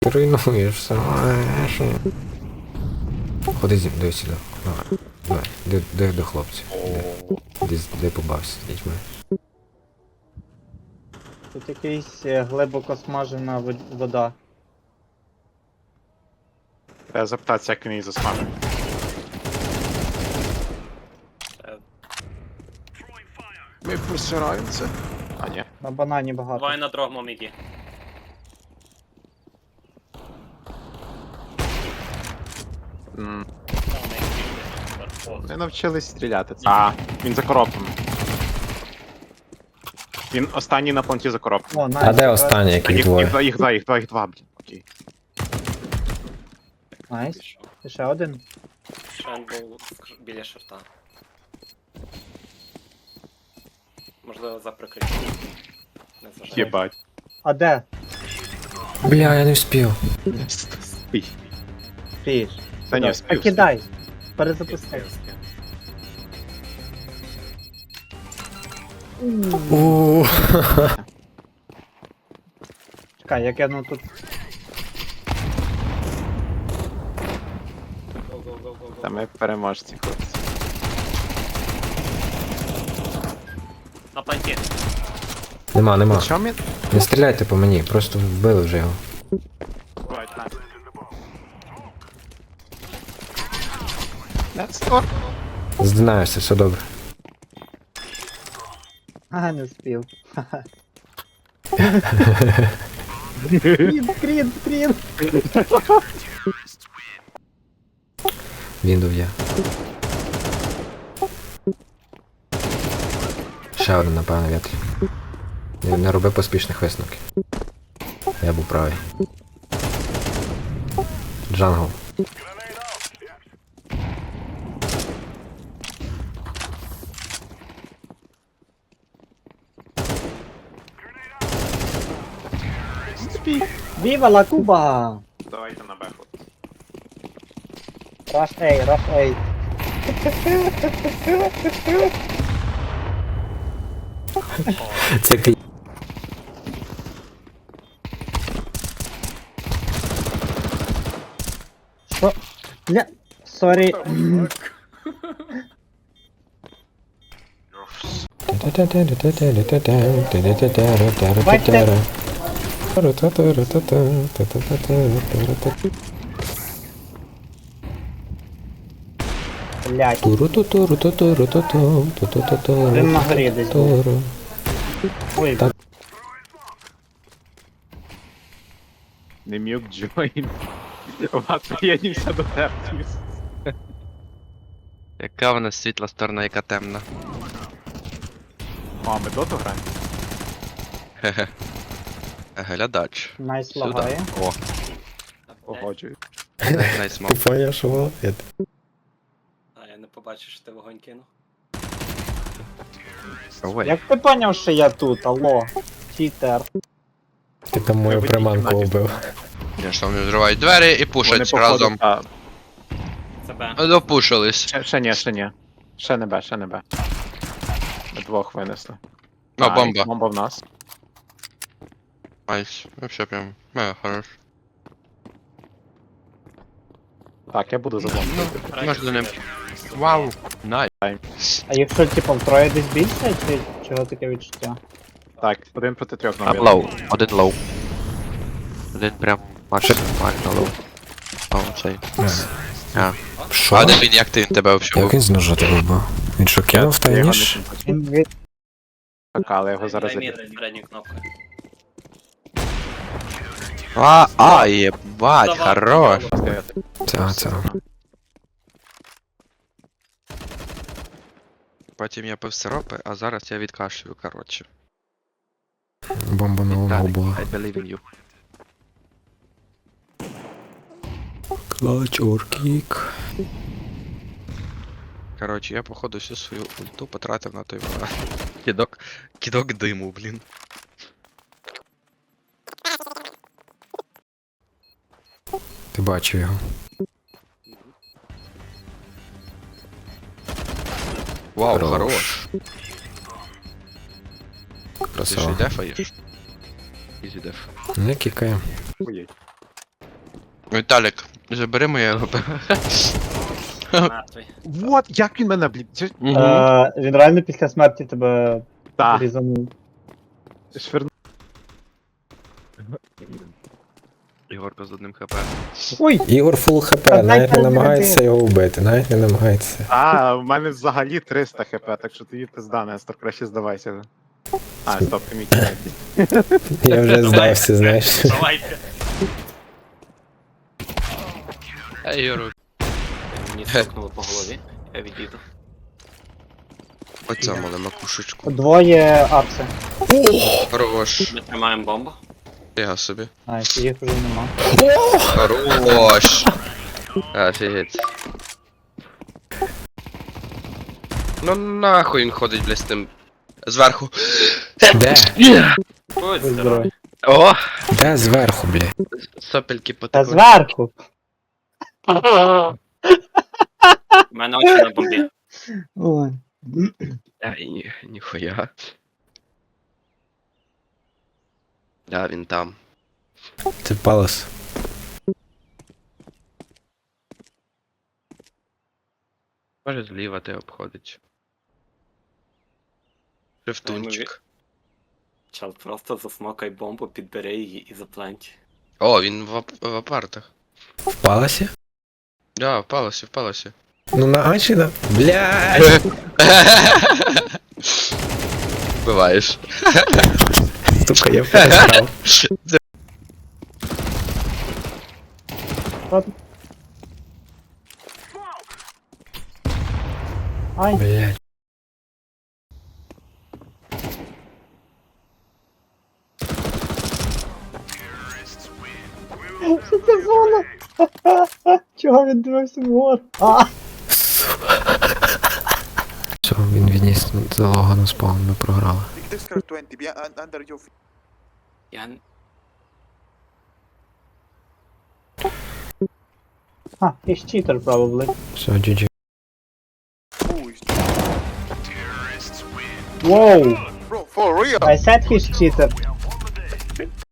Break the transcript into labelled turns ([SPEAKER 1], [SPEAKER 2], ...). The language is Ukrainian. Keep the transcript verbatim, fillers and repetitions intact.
[SPEAKER 1] Руйнуєш все. Ходи зі мною сюди. Давай, давай, де, де до хлопців? Де, де, де побався з дітьми?
[SPEAKER 2] Тут якийсь е, глибоко смажена вод- вода.
[SPEAKER 3] Треба запитатися, як він її засмажив. Ми просираємося. А, ні.
[SPEAKER 2] На банані багато.
[SPEAKER 4] Давай на другому міді.
[SPEAKER 3] М,
[SPEAKER 4] Там не бігти.
[SPEAKER 3] Не навчились стріляти. А, він за коробками. Він останній на планті за коробками.
[SPEAKER 2] О, найс.
[SPEAKER 1] А де
[SPEAKER 2] тепер-
[SPEAKER 1] останні,
[SPEAKER 3] А,
[SPEAKER 1] яких
[SPEAKER 3] їх,
[SPEAKER 1] двоє?
[SPEAKER 3] їх два, їх два, їх два, їх два, блін. Окей.
[SPEAKER 2] Найс.
[SPEAKER 4] Пішов.
[SPEAKER 2] І ще один.
[SPEAKER 4] Шен був в- біля шорта. Можливо, за прикриттям. Не зважаю.
[SPEAKER 3] Єбать.
[SPEAKER 2] А де?
[SPEAKER 1] Бля, я не вспів.
[SPEAKER 3] Спій.
[SPEAKER 2] Фіш.
[SPEAKER 3] Та ні,
[SPEAKER 2] Та
[SPEAKER 3] спів.
[SPEAKER 2] кидай. Перезапусти.
[SPEAKER 1] Ууу.
[SPEAKER 2] Чекай, я кину тут.
[SPEAKER 3] Та ми переможці, хлопці.
[SPEAKER 4] На планті.
[SPEAKER 1] Нема, нема.
[SPEAKER 3] Що ми?
[SPEAKER 1] Не стріляйте по мені, просто вбили вже його.
[SPEAKER 3] Let's go.
[SPEAKER 1] Здинаєшся, все добре.
[SPEAKER 2] Ага, не спів. Скрін, скрін, скрін.
[SPEAKER 1] Він дов'є. Ще один, напевно, вітрі. Не, не роби поспішних висновків. Я був правий. Джангл.
[SPEAKER 2] Віва ла Куба!
[SPEAKER 3] Давайте на беху.
[SPEAKER 2] Раш ей, раш ей.
[SPEAKER 1] Це ки...
[SPEAKER 2] Що? Бля, сорі. Блядь. Один на горі десь був. Ой,
[SPEAKER 1] Так.
[SPEAKER 3] Не мюк джойн. Вас приєднівся до тебе.
[SPEAKER 5] Яка вона світла сторона, яка темна.
[SPEAKER 3] О, ми доту граємо?
[SPEAKER 5] Хе-хе. Глядач.
[SPEAKER 2] найс
[SPEAKER 5] Сюди.
[SPEAKER 2] лагає.
[SPEAKER 5] О,
[SPEAKER 3] Погоджую.
[SPEAKER 5] найс мав.
[SPEAKER 1] Поняв, що молодець.
[SPEAKER 4] А, я не побачив, що ти вогонь кинув.
[SPEAKER 5] Ой.
[SPEAKER 2] Як ти поняв, що я тут, алло? Читер.
[SPEAKER 1] Ти там мою
[SPEAKER 3] Вибудь
[SPEAKER 1] приманку
[SPEAKER 3] кімнаті.
[SPEAKER 1] убив.
[SPEAKER 5] Я що вони взривають двері і
[SPEAKER 3] Вони
[SPEAKER 5] пушать
[SPEAKER 3] походу-
[SPEAKER 5] разом.
[SPEAKER 3] А,
[SPEAKER 4] Це Б.
[SPEAKER 5] Допушились.
[SPEAKER 3] ще, ще ні, ще ні. Ще не Б, ще не Б. Ми двох винесли.
[SPEAKER 5] О,
[SPEAKER 3] А,
[SPEAKER 5] бомба.
[SPEAKER 3] і Бомба в нас.
[SPEAKER 5] Айс. Вообще прям. Мега хорош.
[SPEAKER 3] Так, я буду за бомбою.
[SPEAKER 5] Ну, можна ним. Вау. Най.
[SPEAKER 2] А якщо типу втроє десь більше, чи чого таке відчуття?
[SPEAKER 3] Так, один проти трьох
[SPEAKER 5] Там
[SPEAKER 3] нам
[SPEAKER 5] лоу. Один лоу. Один прям максимально лоу. О, цей. А.
[SPEAKER 1] Що?
[SPEAKER 5] А де він, як ти, він тебе взагалі
[SPEAKER 1] Як
[SPEAKER 5] був?
[SPEAKER 1] він з ножа тебе вбив? Він що, кинув та
[SPEAKER 3] Я його
[SPEAKER 1] ніж?
[SPEAKER 3] не бачу.
[SPEAKER 2] Він від...
[SPEAKER 3] Так, але я його зараз
[SPEAKER 4] Дай
[SPEAKER 3] заб'ю.
[SPEAKER 4] мід з передньою кнопкою.
[SPEAKER 5] А, а, єбать,
[SPEAKER 4] Давай,
[SPEAKER 5] хорош.
[SPEAKER 4] давай.
[SPEAKER 1] Це, це.
[SPEAKER 5] Потім я пив сиропи, а зараз я відкашлюю, коротше.
[SPEAKER 1] Бомба на лунгу була.
[SPEAKER 5] I believe in you.
[SPEAKER 1] Клач, оркік.
[SPEAKER 5] Коротше, я походу всю свою ульту потратив на той ва- кидок, кидок диму, блін.
[SPEAKER 1] Ти бачив його.
[SPEAKER 5] Вау,
[SPEAKER 1] Хорош.
[SPEAKER 5] хорош. Ти ще й
[SPEAKER 1] Красава.
[SPEAKER 5] дефаєш? Ізі деф.
[SPEAKER 1] Не кікає.
[SPEAKER 3] Ой,
[SPEAKER 5] Віталік, забери моє ГП.
[SPEAKER 4] Мертвий.
[SPEAKER 3] Вот, як він мене, блін. Чи...
[SPEAKER 2] Е, він реально після смерті тебе
[SPEAKER 3] Так,
[SPEAKER 2] різанув.
[SPEAKER 3] швирну.
[SPEAKER 5] Ігорка з одним хп.
[SPEAKER 2] Ой!
[SPEAKER 1] Ігор фул хп,
[SPEAKER 2] Та
[SPEAKER 1] навіть не
[SPEAKER 2] дай
[SPEAKER 1] намагається
[SPEAKER 2] пальці.
[SPEAKER 1] його вбити, навіть не намагається.
[SPEAKER 3] А, в мене взагалі триста хп, так що тобі пизда, Нестор, краще здавайся вже. А, стоп, ти мій кінець.
[SPEAKER 1] Я вже здався, знаєш.
[SPEAKER 4] Давайте.
[SPEAKER 5] Ей, Ігор,
[SPEAKER 4] Мені стукнуло по голові. Я відійду.
[SPEAKER 5] оця мала макушечку.
[SPEAKER 2] Двоє апси.
[SPEAKER 5] Хорош.
[SPEAKER 4] Ми тримаємо бомбу.
[SPEAKER 5] Я собі.
[SPEAKER 2] А, їх вже нема.
[SPEAKER 5] Хорош. Офігеть. Ну нахуй він ходить, блядь, з тим. Зверху.
[SPEAKER 1] Де?
[SPEAKER 4] Будь
[SPEAKER 2] Ой,
[SPEAKER 4] здоровий.
[SPEAKER 2] здоровий.
[SPEAKER 5] О!
[SPEAKER 1] Де зверху, бля?
[SPEAKER 5] Сопельки
[SPEAKER 2] Та
[SPEAKER 5] потекли.
[SPEAKER 2] зверху.
[SPEAKER 4] У мене очі на бомбі.
[SPEAKER 2] Ой.
[SPEAKER 5] Ай, ні, ніхуя. Да, він там.
[SPEAKER 1] Це палас.
[SPEAKER 5] Може зліва те обходить. Шифтунчик.
[SPEAKER 4] Чел, просто засмокай бомбу, підбери її і запланті.
[SPEAKER 5] О, він в, ап- в апартах.
[SPEAKER 1] В паласі?
[SPEAKER 5] Да, впалося, впалося.
[SPEAKER 1] Ну на Ачі, да? Блядь!
[SPEAKER 5] Буваєш.
[SPEAKER 1] Сука, я перестав.
[SPEAKER 2] Ай.
[SPEAKER 1] Блядь.
[SPEAKER 2] Що це зона? Чого він дивився вгору? А!
[SPEAKER 1] Все, він відніс залогу на спаун, ми програли.
[SPEAKER 6] Dexter twenty, be un- under your feet.
[SPEAKER 4] Я... н-
[SPEAKER 2] А, he's cheater probably.
[SPEAKER 1] Все, джі джі.
[SPEAKER 6] Who is
[SPEAKER 2] Wow!
[SPEAKER 6] bro? For real?
[SPEAKER 2] I said he's cheater.